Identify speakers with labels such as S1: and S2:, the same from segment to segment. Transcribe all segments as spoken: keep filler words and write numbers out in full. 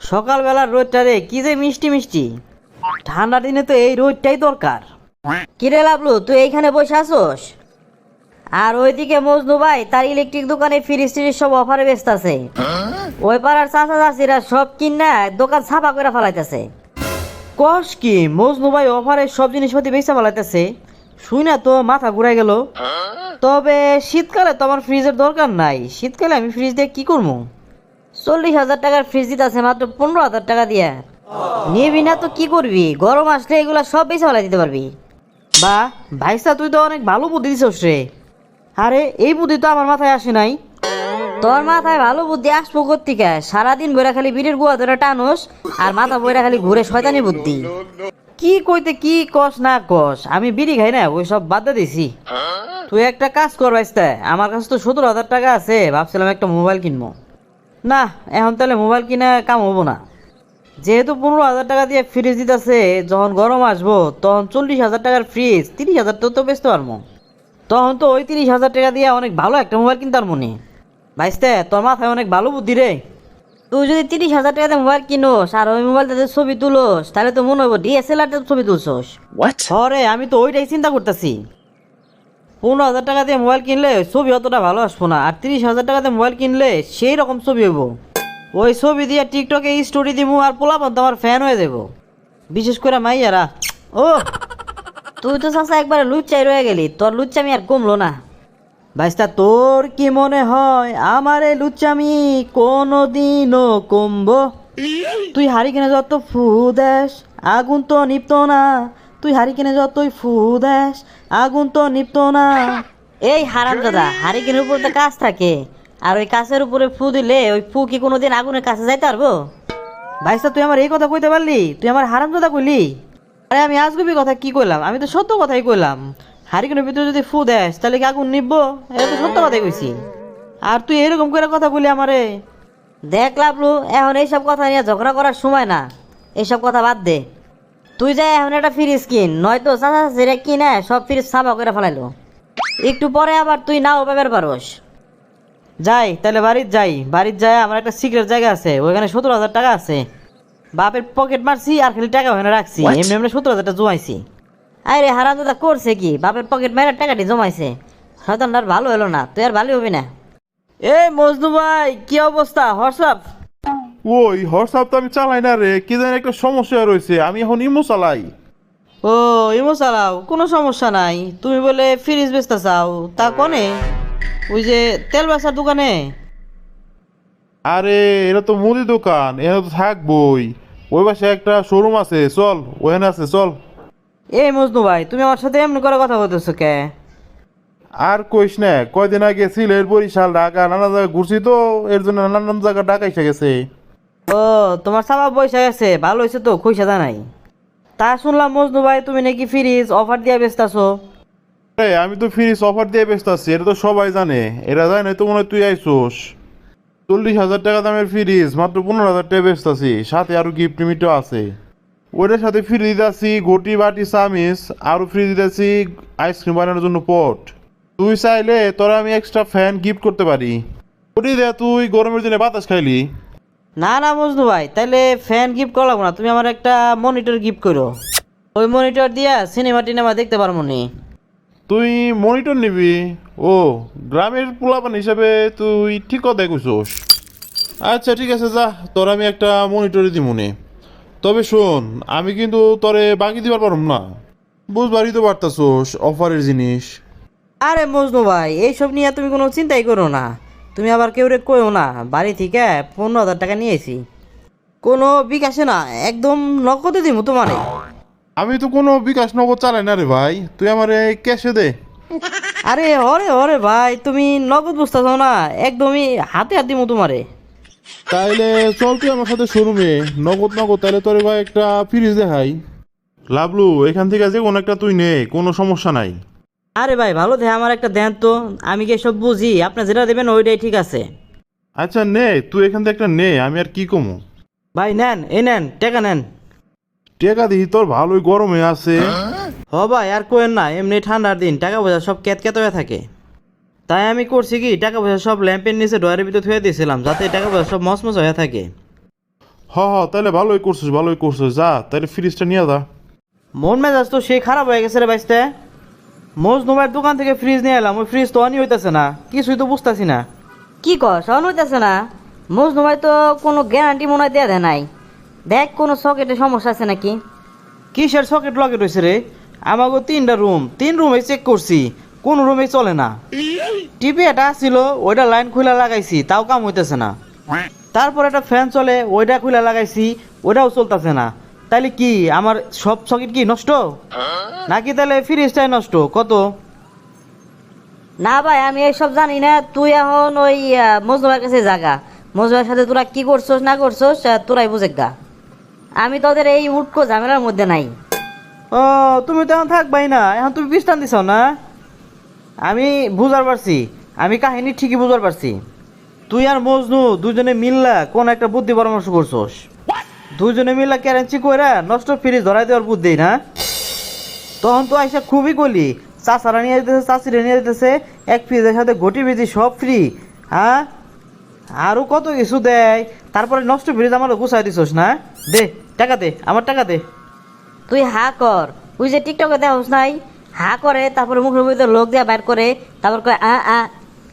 S1: সকালবেলার রোদটা রে কি যে মিষ্টি মিষ্টি। ঠান্ডা দিনে তো এই রোদটাই দরকার। কিরে লাভলু, তুই এইখানে বসে আসোস? আর ওইদিকে মজনু ভাই তার ইলেকট্রিক দোকানে ফ্রিজ ট্রিজ সব অফারে ব্যস্ত আছে। ওই পাড়ার চাচা চাচিরা সব কিনা দোকান ছাপা করে ফেলাইতেছে। কস কি মজনু ভাই অফারে সব জিনিসপাতি বেচা ফেলাইতেছে? শুই না তো মাথা ঘুরাই গেল। তবে শীতকালে তো আমার ফ্রিজের দরকার নাই। শীতকালে আমি ফ্রিজ দিয়ে কি করবো? চল্লিশ হাজার টাকার ফ্রিজ দিতে আছে মাত্র পনেরো হাজার টাকা দিয়া। নিবি না তো কি করবি? গরম আসলে এগুলা সব বেশি ফেলাই দিতে পারবি। বা ভাইসা, তুই তো অনেক ভালো বুদ্ধি দিছিস রে। আরে এই বুদ্ধি তো আমার মাথায় আসে নাই। তোর মাথায় ভালো বুদ্ধি আসবো কোত্থেকে? সারাদিন বইরা খালি বিড়ির গুয়া ধরে টানোস আর মাথা বইরা খালি ঘুরে শয়তানি বুদ্ধি। কি কইতে কি কস না কস, আমি বিড়ি খাই না, ওই সব বাদ দিছি। তুই একটা কাজ কর ভাইস্তা, আমার কাছে তো সতেরো হাজার টাকা আছে, ভাবছিলাম একটা মোবাইল কিনবো। না, এখন তাহলে মোবাইল কিনে কাম হবো না। যেহেতু পনেরো হাজার টাকা দিয়ে ফ্রিজ দিতেছে, যখন গরম আসবো তখন চল্লিশ হাজার টাকার ফ্রিজ তিরিশ হাজার তো তো বেচতে পারবো। তখন তো ওই তিরিশ হাজার টাকা দিয়ে অনেক ভালো একটা মোবাইল কিনতে পারবো নি। ভাইস্তে, তোর মাথায় অনেক ভালো বুদ্ধি রে। তুই যদি তিরিশ হাজার টাকাতে মোবাইল কিনোস আর ওই মোবাইলটাতে ছবি তুলোস, তাহলে তো মনে হবো ডিএসএলআরতে ছবি তুলছোস। হরে, আমি তো ওইটাই চিন্তা করতেছি। পনেরো হাজার টাকা দিয়ে মোবাইল কিনলে ছবি অতটা ভালো আসবো না, আর তিরিশ হাজার টাকাতে মোবাইল কিনলে সেই রকম ছবি হইব। ওই ছবি দিয়ে টিকটকে স্টোরি দিব আর পোলাপান তো আমার ফ্যান হয়ে যাব, বিশেষ করে মাইয়ারা। ও তুই তো চাচা একবারে লুচ্চাই রয়ে গেলি, তোর লুচ্চামি আর কমলো না। ভাইস্তা, তোর কি মনে হয় আমার এই লুচ্চামি কোনোদিনও কমবো? তুই হারি কিনে যত ফু দেশ আগুন তো নিপতো না। তুই হারি কিনে যতই ফু দেশ আগুন তো নিপতো না। এই হারাম দাদা, হারি কিনের উপর তো কাজ থাকে, আর ওই কাছের উপরে ফু দিলে ওই ফু কি কোনোদিন আগুনের কাছে যাইতে পারবো? ভাইসা, তুই আমার এই কথা কইতে পারলি? তুই আমার হারাম দাদা কইলি? আরে আমি আজগুবি কথা কি কইলাম? আমি তো সত্য কথাই কইলাম। হারিকেনের ভিতরে যদি ফু দেস তাহলে কি আগুন নিববো? এটা তো সত্য কথাই কইছি। আর তুই এরকম করে কথা বলি আমারে? দেখ লাভলু, এখন এইসব কথা নিয়ে ঝগড়া করার সময় না, এইসব কথা বাদ দে। তুই যাই এখন একটা ফ্রিজ কিন, নয়তো চাচা চাচিরা কিনে সব ফ্রিজ সাফা করে ফেলাইলো। একটু পরে আবার তুই নাও পাবার পারোস। যাই তাহলে বাড়ির যাই। বাড়ির যায় আমার একটা সিক্রেট জায়গা আছে, ওইখানে সতেরো হাজার টাকা আছে। বাপের পকেট মারছি আর খালি টাকা ওখানে রাখছি, এমনি এমনি সত্তর হাজার টাকা জমাইছি। আরে হারাম দাদা করছে কি? বাপের পকেট মারে টাকাটি জমাইছে। শয়তানটা আর ভালো হলো না, তুই আর ভালো হবি না। এই মজনু ভাই, কি অবস্থা? হোয়াটসঅ্যাপ?
S2: ওই হোয়াটসঅ্যাপ তো আমি চালাই না রে, কি জানি একটা সমস্যা রয়েছে, আমি এখন ইমো চালাই।
S1: ও ইমো চালাও, কোনো সমস্যা নাই। তুমি বলে ফ্রিজ বেচতে চাও, তা কনে? ওই যে তেল বেচার দোকানে?
S2: আরে এটা তো মুদি দোকান, এখানে তো থাকবই। ওই পাশে একটা শোরুম আছে, চল ওখানে আছে, চল।
S1: এই মজনু ভাই, তুমি আমার সাথে এমনি করে কথা বলতেছো কে?
S2: আর কইস না, কয়দিন আগে সিলেট, বরিশাল, ঢাকা নানা জায়গায় ঘুরছি তো, এর জন্য নানান জায়গা ঢাকা এসে গেছে।
S1: ও তোমার সাবা বৈশা গেছে, ভালো হয়েছে তো, খুশি নাই। তা শুনলাম মজনু ভাই তুমি নাকি ফ্রিজ অফার দিয়ে বেচতেছো।
S2: আরে আমি তো ফ্রিজ অফার দিয়ে ব্যস্ত আছি, এটা তো সবাই জানে। এরা জানে না তো মনে হয় তুই আইসোস। চল্লিশ হাজার টাকা দামের ফ্রিজ মাত্র পনেরো হাজার টাকা ব্যস্ত আছি, সাথে আরো গিফট লিমিটও আছে। ওইটার সাথে ফ্রি দিতেছি ঘটি, বাটি, চামিচ, আরো ফ্রি দিতেছি আইসক্রিম বানানোর জন্য পট। তুই চাইলে তোরা আমি এক্সট্রা ফ্যান গিফট করতে পারি। ওটি দে, তুই গরমের দিনে বাতাস খাইলি।
S1: না না মজনু ভাই, তাহলে ফ্যান গিফট করা লাগবো না, তুমি আমার একটা মনিটর গিফট করো। ওই মনিটর দিয়া সিনেমা টিনেমা দেখতে পারবো নি।
S2: তুই মনিটর নিবি? ও, গ্রামের পোলাপান হিসাবে তুই ঠিক কথাই কইছস। আচ্ছা ঠিক আছে, যা, তোর আমি একটা মনিটরই দিব নে। তবে শোন, আমি কিন্তু তোরে বাকি দিবার পারম না, বুঝবারই তো পারতাছোস অফারের জিনিস।
S1: আরে মজনু ভাই, এইসব নিয়ে তুমি কোনো চিন্তাই করো না। তুমি আবার কেউ রে কইও না, বাড়ি থেকে পনেরো হাজার টাকা নিয়েছি, কোনো বিকাশে না, একদম নগদে দিব তোমারে।
S2: আমি তো কোনো বিকাশ নগদ চালাই না রে ভাই, তুই আমারে ক্যাশে দে।
S1: আরে হরে হরে ভাই, তুমি নগদ বুঝতেছ না, একদমই হাতে হাত দিব তোমারে।
S2: তাইলে চল তুই আমার সাথে শোরুমে, নগদ নগদ তাহলে তোরে ভাই একটা ফ্রিজ দেখাই। লাভলু, এখান থেকে যে কোনো একটা তুই নে, কোনো সমস্যা নাই।
S1: আরে ভাই ভালো দেখে আমার একটা দেন তো, আমি কি সব বুঝি, আপনি যেটা দেবেন ওইটাই ঠিক আছে।
S2: আচ্ছা নে, তুই এখান থেকে একটা নে, আমি আর কি কমু।
S1: ভাই নেন, এই নেন, টাকা নেন।
S2: টেকা দিই তোর ভালোই গরমে আছে।
S1: হ ভাই আর কোয়েন না, এমনি ঠান্ডার দিন টাকা পয়সা সব ক্যাত ক্যাত হয়ে থাকে। তাই আমি করছি কি, টাকা পয়সা সব ল্যাম্পের নিচে ডয়ারের ভিতরে থুয়ে দিয়েছিলাম, যাতে টাকা পয়সা সব মচমচ হয়ে থাকে।
S2: হ হ তাহলে ভালোই করছিস ভালোই করছিস, যা তাহলে ফ্রিজটা নিয়ে যা।
S3: মন মেজাজ তো সেই খারাপ হয়ে গেছে রে বাইসতে। মজনু ভাইয়ের দোকান থেকে ফ্রিজ নিয়ে এলাম, ওই ফ্রিজ তো অনই হইতেছে না, কিছুই তো বুঝতেছি না।
S1: কি কর শোন হইতেছে না? মজনু ভাই তো কোনো গ্যারান্টি মনে হয় দেয়া দেয় নাই। দেখ কোনো সকেটে সমস্যা আছে নাকি।
S3: কিসের সকেট লকেট হয়েছে রে? আমাকে তিনটা রুম, তিন রুমে চেক করছি, কোন রুমে চলে না। টিভি এটা ছিল, ওইটা লাইন খুলে লাগাইছি, তাও কাম হইতেছে না। তারপর একটা ফ্যান চলে, ওইটা খুলে লাগাইছি, ওইটাও চলতেছে না। তাইলে কি আমার সব সকেট কি নষ্ট, নাকি তাহলে ফ্রিজটাই নষ্ট? কত?
S1: না ভাই আমি এইসব জানি না। তুই এখন ওই আহ, মজনু ভাইয়ের কাছে জাগা। মজনু ভাইয়ের সাথে তোরা কি করছোস না করছোস আহ, তোরাই বুঝে গা। আমি তোদের এই উটকো ঝামেলার মধ্যে নাই।
S3: ও তুমি তো এখন থাকবাই না, এখন তুমি বিশ্রাম দিছ না? আমি বুঝার পারছি, আমি কাহিনী ঠিকই বুঝার পারছি। তুই আর মজনু দুজনে মিল্লা কোন একটা বুদ্ধি পরামর্শ করছোস। দুজনে মিল্লা ক্যারেন্সি কইরা নষ্ট ফ্রিজ ধরাই দেওয়ার বুদ্ধি না? তখন তো আইসা খুবই গলি, চাচারা নিয়ে যেতেছে, চাচিরা নিয়ে যেতেছে, এক ফ্রিজের সাথে ঘটি ভিজি সব ফ্রি। হ্যাঁ, আরও কত কিছু দেয়, তারপরে নষ্ট ফ্রিজ আমার গুছাই দিছোস না? দে টাকা দে, আমার টাকা দে।
S1: তুই হা কর। তুই যে টিকটকে দেওস নাই, হা করে তারপরে মুখের মধ্যে লোক দিয়ে বাইর করে, তারপর কয় আ আ।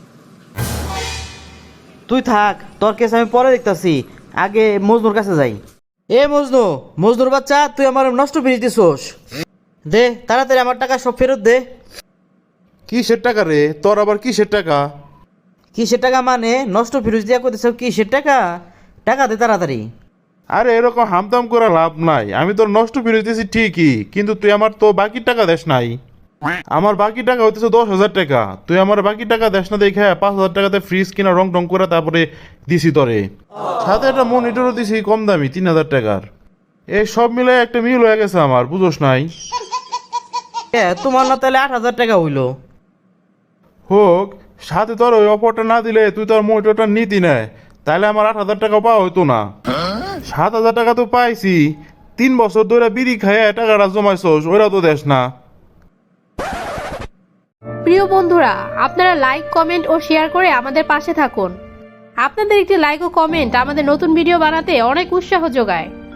S3: তুই থাক, তোর কেস আমি পরে দেখতাছি, আগে মজনুর কাছে যাই। এ মজনু, মজনুর বাচ্চা, তুই আমার নষ্ট ফ্রিজ দিছোস, দে তাড়াতাড়ি আমার টাকা সব ফেরত দে।
S2: কিসের টাকা রে তোর, আবার কিসের টাকা?
S3: কিসের টাকা মানে? নষ্ট ফ্রিজ দিয়া করতেছ, কিসের টাকা? টাকা দে তাড়াতাড়ি।
S2: আরে এরকম হামদাম করে লাভ নাই, আমি তোর নষ্ট ফিরে দিয়েছি ঠিকই, কিন্তু তুই আমার তো বাকি টাকা দেস নাই। আমার বাকি টাকা হইতেছে দশ হাজার টাকা, তুই আমার বাকি টাকা দেস না দেখে পাঁচ হাজার টাকাতে ফ্রিজ কিনা রং টং করে তারপরে দিছি তোরে, সাথে একটা মনিটরও দিছি কম দামি তিন হাজার টাকার। এই সব মিলে একটা মিল হয়ে গেছে আমার, বুঝোস নাই?
S3: এ তোমার না তাহলে আট হাজার টাকা হইলো।
S2: হোক, সাথে তোর ওই অফারটা না দিলে তুই তোর মনিটরটা নিতি না, তাহলে আমার আট হাজার টাকা পাওয়া হইতো না। সাত হাজার টাকা তো পাইছি, তিন বছর ধরে বিড়ি খাইয়ে টাকাটা জমাইছোস, ওইটা তো দেশ না।
S4: প্রিয় বন্ধুরা, আপনারা লাইক, কমেন্ট ও শেয়ার করে আমাদের পাশে থাকুন। আপনাদের একটি লাইক ও কমেন্ট আমাদের নতুন ভিডিও বানাতে অনেক উৎসাহ যোগায়।